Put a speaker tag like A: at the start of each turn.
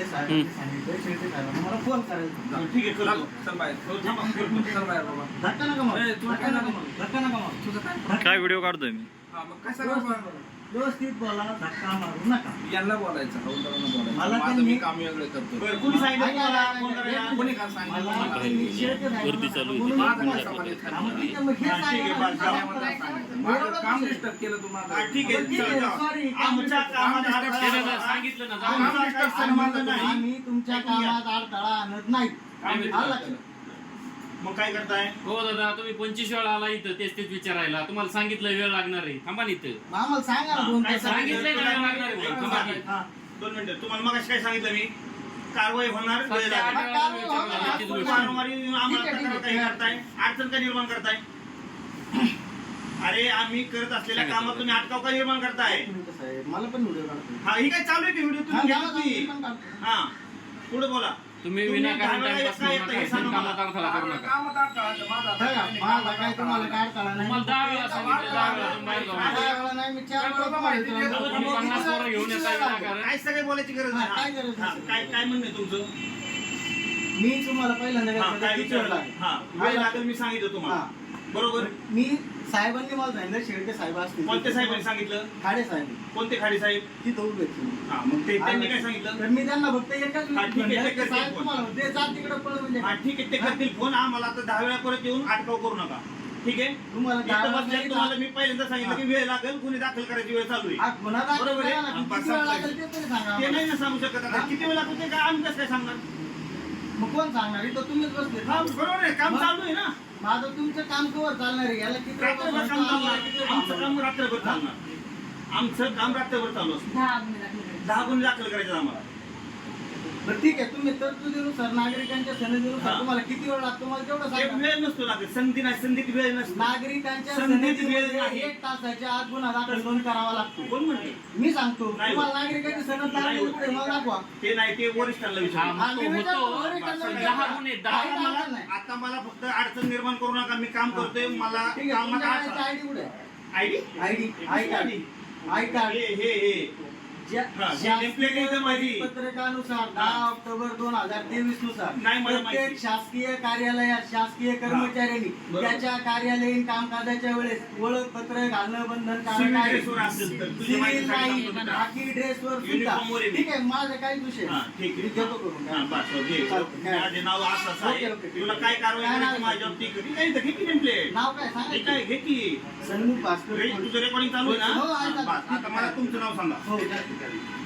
A: साहेबांनी सांगितलं शेळके साहेबांना मला फोन करायचा.
B: ठीक आहे चल चल बाहेर चल बाहेर बाबा.
A: धक्का नका मारू, धक्का नका मारू, धक्का नका मारू. तुझं
C: काय व्हिडिओ काढतोय मी?
B: हा मग काय सांगा
A: व्यवस्थित बोला, धक्का मारू नका.
B: यांना बोलायचं हौलदारांना बोलायचं.
A: मला
B: माझं
A: त्यांनी-
B: मी काम वेगळं करतो.
D: बरं कोणी सांगितलं तुम्हाला फोन करायला?
B: कोणी काय सांगितलं
A: मला
B: मला?
A: त्यांनी शेळके साहेबांना
C: गर्दी चालू आहे.
A: म्हणून
B: माझं
A: तुम्हाला
B: काय संबंध आहे?
A: सांगितलं. मग ठीक आहे, मग हे
D: हा, ठीक आहे,
A: सांगा.
D: बस, जाऊ.
B: मला सांगायचं. माझं काम डिस्टर्ब केलं तुम्हाला.
D: हा, ठीक आहे
A: ठीक आहे,
D: चल, जाऊ.
A: sorry.
D: आमच्या कामात
B: केलं
D: अडथळा
E: सांगितलं ना
B: काम
D: आमचा
B: डिस्टर्ब
D: काही
B: केलं
D: संबंध
B: माझं
D: नाही.
A: आम्ही तुमच्या
D: ऐकून घ्या.
A: कामात अडथळा आणत नाही.
D: आम्ही-
A: आलं लक्षात?
D: मग काय करताय?
E: हो दादा तुम्ही 25 वेळा आला इथं तेच विचारायला. तुम्हाला सांगितलं वेळ लागणार आहे. थांबा ना इथं.
A: मग आम्हाला सांगा ना दोन
D: काय
A: तास.
E: सांगितलंय ना वेळ लागणार आहे म्हणून. थांबा की.
D: हा, 2 मिनिटं. तुम्हाला मग काय सांगितलं मी? कारवाई होणार, वेळ
E: सध्या
D: लागेल.
E: 8 वेळा तुम्ही विचारलं तीच गोष्ट.
D: वारंवार येऊन आम्हाला
A: ठीक आहे,
D: तक्रार
A: ठीक
D: काही
A: आहे.
D: करताय? अडचण का निर्माण करताय? अरे आम्ही करत असलेल्या कामात तुम्ही अटकाव का निर्माण करताय?
A: साहेब, मला पण व्हिडिओ काढतो.
D: हा ही काय चालू आहे की व्हिडिओ
A: हा,
D: तुम्ही
A: गावात
D: घेतला की?
A: आम्ही पण काढतो.
D: हा पुढे बोला.
E: तुम्ही
D: तुम्ही
E: विनाकारण
D: दहा वेळा
E: टाइमपास
D: येता
E: करू
D: येता हे
E: नका.
D: सांगा
E: कामात अडथळा करू नका.
B: कामात अडथळा माझा
A: बघा, माझा काय तुम्हाला काय अडथळा नाही.
E: तुम्हाला 10 वेळा सांगितलं 10 वेळा तुम्ही बाहेर जाऊ नका.
A: 10 वेळा नाही, मी 4 वेळा तुम्हाला विचारलं.
E: तुम्ही 50 पोरं घेऊन येता विनाकारण.
D: काय सगळे बोलायची गरज
A: हा, काय
D: नाही.
A: गरज
D: हा,
A: नाही.
D: काय काय म्हणणं आहे तुमचं?
A: मी तुम्हाला पहिल्यांदा
D: हा,
A: काय
D: काय
A: किती वेळ
D: विचारलं?
A: लागेल?
D: हा वेळ लागेल मी सांगितलं तुम्हाला. बरोबर.
A: मी साहेबांनी मला सांगितलं शेळके साहेब असतील.
D: कोणत्या साहेबांनी सांगितलं?
A: खाडे साहेब
D: कोणते खाडी साहेब?
A: तिथं उभे आहेत तुम्ही.
D: हा मग ते त्यांनी काय सांगितलं?
A: तर मी त्यांना फक्त एकच
D: हा, ठीक आहे,
A: म्हणलं
D: ते
A: की
D: करतील
A: साहेब
D: फोन.
A: तुम्हाला म्हणते, जा तिकडे पळ म्हणजे
D: हा ठीक आहे ते करतील फोन. आम्हाला आता 10 वेळा परत येऊन अटकाव करू नका. ठीक आहे
A: तुम्हाला
D: इथं
A: 10 वेळा
D: बसल्यावर
A: नाही
D: तुम्हाला
A: ना.
D: मी पहिल्यांदा सांगितलं की वेळ लागेल, गुन्हे दाखल करायची वेळ चालू आहे.
A: हा, गुन्हा दाखल
D: बरोबर आहे.
A: करा ना.
D: हा,
A: किती वेळ लागेल ते तरी सांगा
D: ते
A: आम्हाला.
D: नाही ना सांगू शकत आता.
A: हा?
D: किती वेळ लागतो ते काय आम्ही कसं काय सांगणार?
A: मग कोण सांगणार? इथं तुम्हीच बसले.
D: हा बरोबर आहे काम
A: मग?
D: चालू आहे ना.
A: माझं तुमचं काम कवर चालणार आहे. याला किती वेळ
D: रात्रभर
A: बसणार?
D: काम चालणार.
A: किती वेळ
D: आमचं
A: थांबणार?
D: काम रात्रभर चालणार. आमचं काम रात्रभर चालू असतं. 10 गुन्हे दाखल करायचे आम्हाला.
A: बरं ठीक आहे, तुम्ही तरतुदीनुसार नागरिकांच्या सनदीनुसार
D: हा.
A: तुम्हाला किती वेळ लागतो मला तेवढं
D: एक
A: सांगा.
D: वेळ नसतो लागत. संधी नाही, संधीत वेळ नसतो.
A: नागरिकांच्या
D: संधीत वेळ
A: सनदीमध्ये
D: नाही.
A: 1 तासाच्या आत गुन्हा दाखल नोंद करावा लागतो.
D: कोण म्हणते?
A: मी सांगतो
D: नाही.
A: तुम्हाला नागरिकांची सनद लागली पुढे मला दाखवा.
D: ते नाही, ते वरिष्ठांना
E: हा,
D: विचार.
E: मग तो
A: मी विचारतो,
E: होतो.
A: वरिष्ठांना
E: पण
A: विचारतो.
E: 10 गुन्हे 10
A: काही अडचण नाही.
D: आता मला फक्त अडचण निर्माण करू नका. मी काम करतोय. मला
A: ठीक आहे,
D: कामात
A: तुमच्याकडे
D: अडचण.
A: आयडी कुठे
D: ID
A: ID I card I card
D: हे हे हे हा, हे template आहे इथं माझी.
A: पत्रकानुसार
D: हा.
A: 10 ऑक्टोबर 2023 नुसार
D: नाही मला
A: प्रत्येक
D: माहिती.
A: शासकीय कार्यालयात शासकीय कर्मचाऱ्यांनी
D: बरोबर.
A: त्याच्या कार्यालयीन कामकाजाच्या वेळेस ओळखपत्र घालणं बंधनकारक
D: Civil
A: आहे.
D: dress वर असेल तर तुझी माहिती
A: सिव्हिल
D: सांगितलं
A: नाही,
D: होतं ना.
A: बाकी ड्रेसवर सुद्धा
D: Uniform वर आहे मी.
A: ठीक आहे, माझं काही विषय
D: हा, ठीक
A: मी
D: आहे.
A: घेतो करून
D: हा, बस, हो, घे.
A: चालतं, काय?
D: माझे नाव असं असं आहे.
A: ओके, ओके, ठीक
D: तुला
A: आहे.
D: काय कारवाई
A: काय
D: करायची
A: नाव?
D: माझ्यावर ती कधी काही घे की template.
A: नाव काय
D: हे
A: सांगा
D: काय घे की
A: सन्मुख भास्कर
D: तुझं रेकॉर्डिंग चालू आहे
A: हो, आहे
D: ना?
A: चालू.
D: बस, आता मला तुमचं नाव सांगा.
A: हो, चालतं, चालतं.